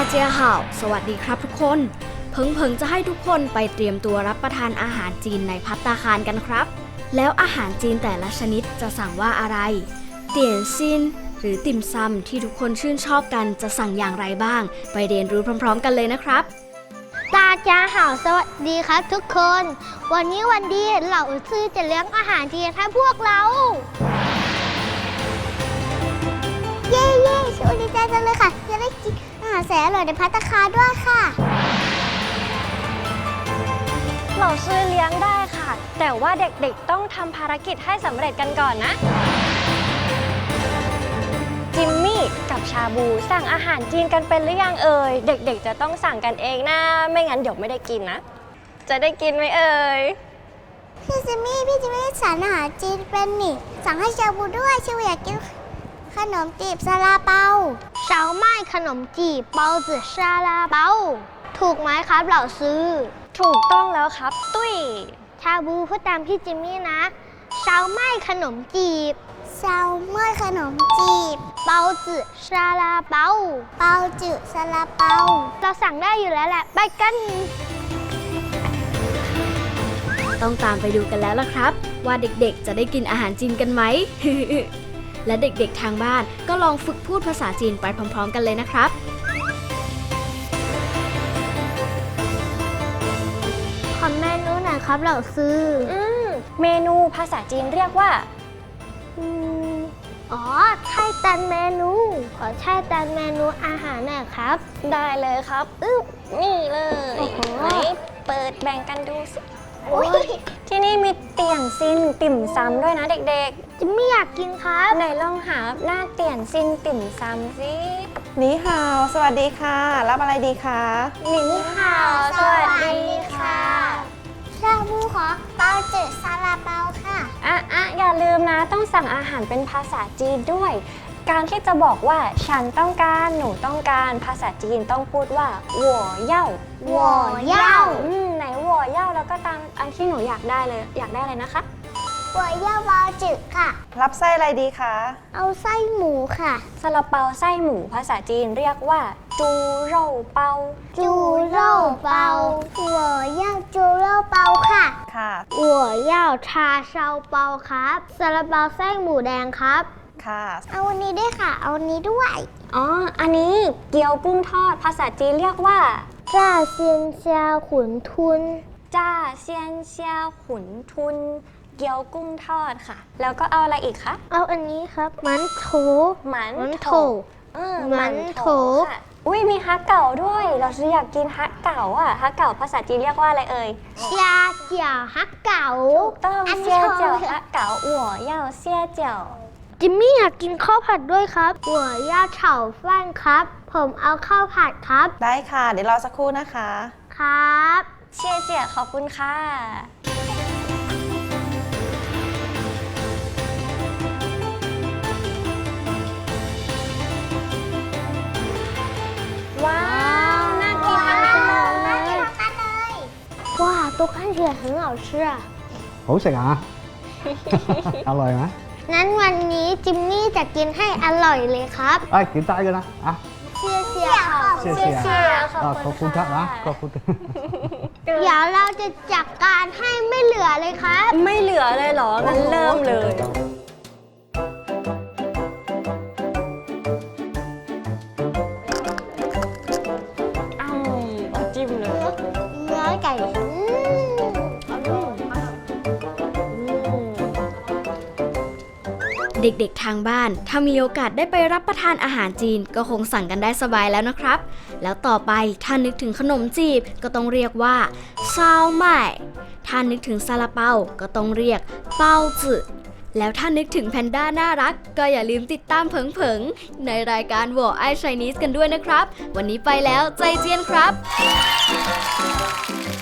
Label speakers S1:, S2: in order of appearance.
S1: เจียห่าวสวัสดีครับทุกคนเพิงจะให้ทุกคนไปเตรียมตัวรับประทานอาหารจีนในภัตตาคารกันครับแล้วอาหารจีนแต่ละชนิดจะสั่งว่าอะไรเตี๋ยนซินหรือติ่มซำที่ทุกคนชื่นชอบกันจะสั่งอย่างไรบ้างไปเรียนรู้พร้อมๆกันเลยนะครับ
S2: 大家好สวัสดีครับทุกคนวันนี้วันดีเหล่าซื่อจะเลี้ยงอาหารจีนให้พวกเราเย้เย้ชูดีใจจังเลยค่ะจะได้กินอาหารแสนอร่อยในภัตตาคารด้วยค่ะ
S3: เหล่าซื้อเลี้ยงได้ค่ะแต่ว่าเด็กๆต้องทำภารกิจให้สำเร็จกันก่อนนะจิมมี่กับชาบูสั่งอาหารจีนกันเป็นหรือยังเอ่ยเด็กๆจะต้องสั่งกันเองนะไม่งั้นเดี๋ยวไม่ได้กินนะจะได้กินไหมเอ่ย
S2: พี่จิมมี่สั่งอาหารจีนเป็นนี่สั่งให้ชาบูด้วยชาบูอยากกินขนมจีบซาลาเปาเฉาไม้ขนมจีบเปาจือซาลาเปาถูกไหมครับเหล่าซื้อ
S3: ถูกต้องแล้วครับตุ้ย
S2: ชาบูพูดตามพี่จิมมี่นะเฉาไม้ขนมจีบเฉาไม้ขนมจีบเปาจือซาลาเปาเปาจือซาลาเปาเราสั่งได้อยู่แล้วแหละไปกัน
S1: ต้องตามไปดูกันแล้วล่ะครับว่าเด็กๆจะได้กินอาหารจีนกันไหม และเด็กๆทางบ้านก็ลองฝึกพูดภาษาจีนไปพร้อมๆกันเลยนะครับ
S2: ขอเมนูหน่อยครับเหล่าซื้อ
S3: เมนูภาษาจีนเรียกว่า
S2: อ๋อไช่ตันเมนูขอไช่ตันเมนูอาหารหน่อยครับ
S3: ได้เลยครับนี่เลยไหนเปิดแบ่งกันดูสิที่นี่มีเตี่ยนซินติ่มซำด้วยนะเด็ก
S2: ๆจะไม่อยากกินครับ
S3: ไหนลองหาหน้าเตี่ยนซินติ่มซำสิ
S4: นี่ฮาวสวัสดีค่ะรับอะไรดีคะ
S3: นี่ฮาวสวัสดีค่ะ
S2: ชาบูขอเปาจืดซาลาเปาค่ะ
S3: อย่าลืมนะต้องสั่งอาหารเป็นภาษาจีนด้วยการที่จะบอกว่าฉันต้องการหนูต้องการภาษาจีนต้องพูดว่าหัวเย่าไหนหัวเย่าแล้วก็ตามอันที่หนูอยากได้เลยนะคะ
S2: หัวเย่าเปาจืดค่ะ
S4: รับไส้อะไรดีคะ
S2: เอาไส้หมูค่ะ
S3: ซาลาเปาไส้หมูภาษาจีนเรียกว่าจูโร่เปา
S2: หัวเย่าจูโร่เปาค่ะหัวเย่าชาเชาเปาครับซาลาเปาไส้หมูแดงครับ
S4: ค่ะ
S2: เอาอันนี้ด้วยค่ะเอาอันนี้ด้วย
S3: อันนี้เกี๊ยวกุ้งทอดภาษาจีนเรียกว่า
S2: จ้าเซียนเซียขุนทุน
S3: เกี๊ยวกุ้งทอดค่ะแล้วก็เอาอะไรอีกคะ
S2: เอาอันนี้ครับมันโถ
S3: ค่ะอุ้ยมีฮักเก่าด้วยเราอยากกินฮักเก่าฮักเก่าภาษาจีนเรียกว่าอะไรเอ่ย
S2: เซียเจียวฮักเก่า
S3: ถูกต้องเซียเจียวฮักเก่าหัวเย่าเซียเจียว
S2: จิมมี่อยากกินข้าวผัดด้วยครับหัวย่าเฉาฟั่นครับผมเอาข้าวผัดครับ
S4: ได้ค่ะเดี๋ยวรอสักครู่นะคะ
S2: ครับ
S3: เชี่ยขอบคุณค่ะว้าวน่ากินมาก
S2: เลยว้าว都看起来很好吃啊
S5: 好食啊อร่อยไหม
S2: นั้นวันนี้จิมมี่จะกินให้อร่อยเลยครับ
S5: กินได้กันนะ
S2: เชี่ย
S5: ขอบคุณครับนะขอบคุณ
S2: เดี๋ยวเราจะจัดการให้ไม่เหลือเลยครับ
S3: ไม่เหลือเลยเหรองั้นเริ่มเลยจิ้มเลย
S2: เนื้อไก่
S1: เด็กๆทางบ้านถ้ามีโอกาสได้ไปรับประทานอาหารจีนก็คงสั่งกันได้สบายแล้วนะครับแล้วต่อไปถ้านึกถึงขนมจีบก็ต้องเรียกว่าซาวไม่ถ้านึกถึงซาลาเปาก็ต้องเรียกเปาจือแล้วถ้านึกถึงแพนด้าน่ารักก็อย่าลืมติดตามเผิงในรายการหัวไอ Chinese กันด้วยนะครับวันนี้ไปแล้วใจเจียนครับ